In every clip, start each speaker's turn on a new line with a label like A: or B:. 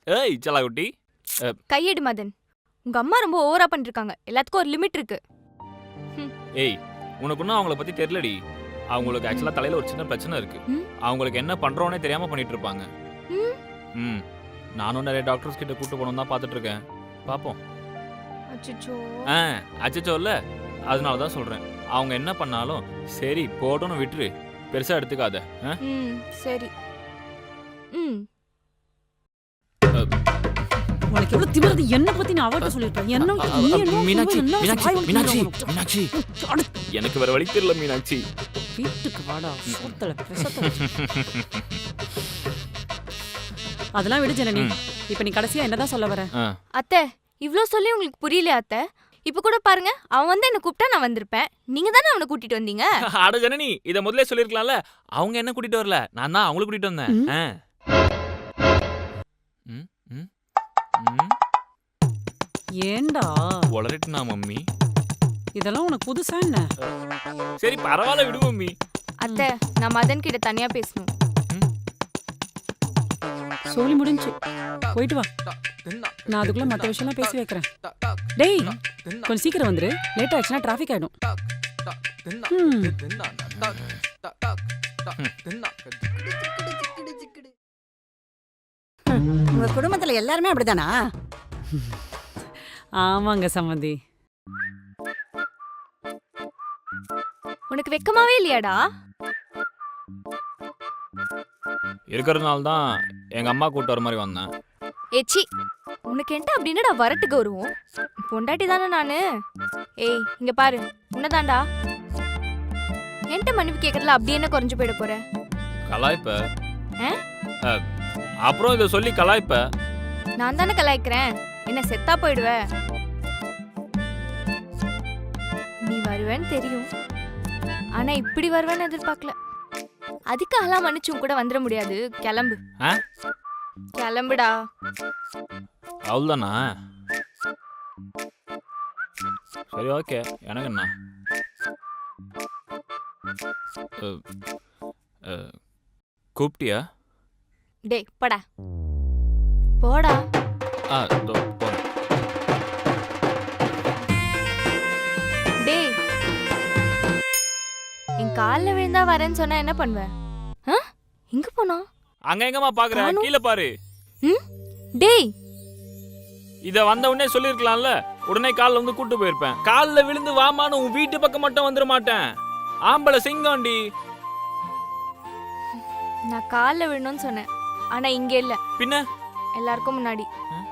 A: ஏய் செல்லாக்குட்டி.
B: கையெடு மதன். உங்க அம்மா ரொம்ப ஓவரா பண்ணிருக்காங்க. எல்லாத்துக்கும் ஒரு லிமிட் இருக்கு.
A: ஏய் உனக்கு இன்னும் அவங்கள பத்தி தெரியலடி. அவங்களுக்கு ஆக்சுவலா தலையில ஒரு சின்ன பிரச்சனை இருக்கு. அவங்களுக்கு என்ன பண்றோன்னே தெரியாம பண்ணிட்டு இருப்பாங்க. நானும் நிறைய டாக்டர்ஸ் கிட்ட கூட்டு போகணும் தான் பார்த்துட்டு இருக்கேன். பாப்போம்.
B: அச்சச்சோ.
A: அச்சச்சோ இல்ல, அதனால தான் சொல்றேன். அவங்க என்ன பண்ணாலும் சரி போட்டோன்னு விட்டுரு, பெருசா எடுத்துக்காத.
B: சரி.
C: உனக்கு எவ்வளவு திமிருது? என்ன பத்தி நான் அவட்ட சொல்லிருப்பேன். என்ன
A: மீனாட்சி மீனாட்சி மீனாட்சி மீனாட்சி எனக்கு வேற வழி தெரியல மீனாட்சி.
C: வீட்டுக்கு வாடா. சோத்தல பிரசத்தல. அதெல்லாம் விடு ஜனனி. இப்ப நீ கடைசியா என்னதான் சொல்ல வர?
B: அத்தை, இவ்ளோ சொல்லி உங்களுக்கு புரியலையா அத்தை? இப்ப கூட பாருங்க, அவன் வந்து என்ன கூப்பிட்டா நான் வந்திருப்பேன். நீங்க தானே அவனை கூட்டிட்டு வந்தீங்க.
A: அட ஜனனி, இத முதல்ல சொல்லிருக்கலாம்ல. அவங்க என்ன கூட்டிட்டு வரல, நான் தான் அவங்கள கூட்டிட்டு வந்தேன்.
C: ஏண்டா
A: உளறிட்டுனா மம்மி?
C: இதெல்லாம் உனக்கு புதுசா என்ன?
A: சரி பரவாயில்ல விடு மம்மி.
B: அத்தை, நான் மதன் கிட்ட தனியா பேசணும்.
C: சொல்லி முடிஞ்சு போயிட்டு வா. நான் அதுக்குள்ள மற்ற விஷயம்லாம் பேசி வைக்கிறேன். டேய் கொஞ்சம் சீக்கிரம் வந்துரு. லேட் ஆச்சுன்னா டிராஃபிக் ஆயிடும்.
D: உங்க குடும்பத்துல எல்லாருமே அப்படிதானா?
C: ஆமாங்க சம்மந்தி.
B: உனக்கு வெக்கமாவே இல்லையாடா?
A: இருக்கிறதுனால தான் எங்க அம்மா கூட்டு வர மாதிரி வந்தேன்.
B: ஏச்சி, உனக்கு என்ன அப்படின்னா வரட்டுக்கு வருவோம். பொண்டாட்டி தானே நானு. ஏய் இங்க பாரு, உன்னதாண்டா. என்கிட்ட மன்னிப்பு கேட்கறதுல அப்படி என்ன குறைஞ்சு போயிட போற?
A: கலாய்ப்ப. அப்புறம் இதை சொல்லி கலாய்ப்ப.
B: நான் தானே கலாய்க்கிறேன். என்ன செத்தா போயிடுவ? நீ வருவேன்னு தெரியும், ஆனா இப்படி வருவேன்னு எதிர்பார்க்கல. அதுக்காகலாம் மன்னிச்சும் கூட வந்துட முடியாது. கிளம்பு. கிளம்புடா.
A: அவ்வளோதானா? சரி ஓகே, எனக்கு என்ன. கூப்பிட்டியா?
B: டேய் போடா போடா.
A: போறேன்.
B: டேய், என் காலில் விழுந்தா வரேன்னு சொன்னா என்ன பண்ணுவ? எங்க போனா?
A: அங்க எங்கம்மா பாக்குற? கீழே பாரு.
B: டேய்,
A: இத வந்த உடனே சொல்லிருக்கலாம்ல. உடனே கால்ல வந்து கூட்டு போயிருப்பேன். கால்ல விழுந்து வாமான்னு உன் வீட்டு பக்கம் மட்டும் வந்துட மாட்டேன். ஆம்பளை சிங்கம்டி.
B: நான் கால்ல விழணும்னு சொன்னேன், ஆனா இங்க இல்ல.
A: பின்ன
B: எல்லாருக்கும் முன்னாடி.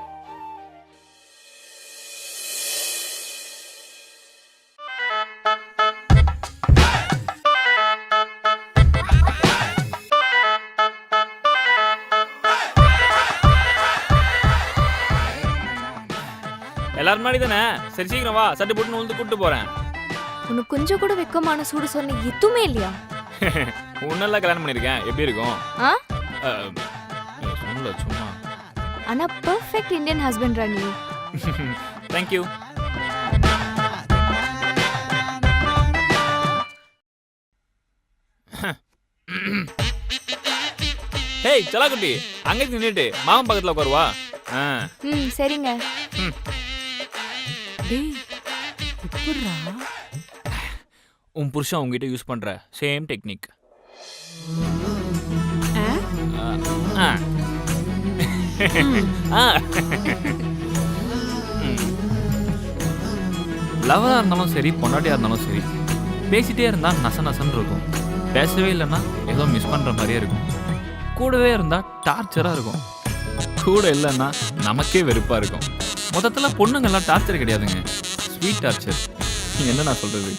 A: எல்லாரும் முன்னாடி தானே? சரி சீக்கிரம் வா, சட்டு போட்டு வந்து கூட்டு போறேன்.
B: உனக்கு கொஞ்சம் கூட வெக்கமான சூடு சொன்ன எதுவுமே இல்லையா?
A: உன்னெல்லாம் கல்யாணம் பண்ணிருக்கேன், எப்படி இருக்கும்? சும்மா.
B: ஆனா perfect Indian husband Rani.
A: Thank you. Hey செல்லாக்குட்டி, அங்க நின்னுட்டு மாமன் பக்கத்துல உட்காருவா.
B: சரிங்க.
C: டேய் எப்படிடா?
A: உன் புருஷன் உங்ககிட்ட யூஸ் பண்ற சேம் டெக்னிக். லவரா இருந்தாலும் சரி, பொண்டாட்டியா இருந்தாலும் சரி, பேசிட்டே இருந்தா நச நசன்னு இருக்கும். பேசவே இல்லைன்னா ஏதோ மிஸ் பண்ற மாதிரியே இருக்கும். கூடவே இருந்தா டார்ச்சரா இருக்கும். கூட இல்லைன்னா நமக்கே வெறுப்பா இருக்கும். மொத்தத்துல பொண்ணுங்கெல்லாம் டார்ச்சர் கிடையாதுங்க, ஸ்வீட் டார்ச்சர். என்ன நான் சொல்றது?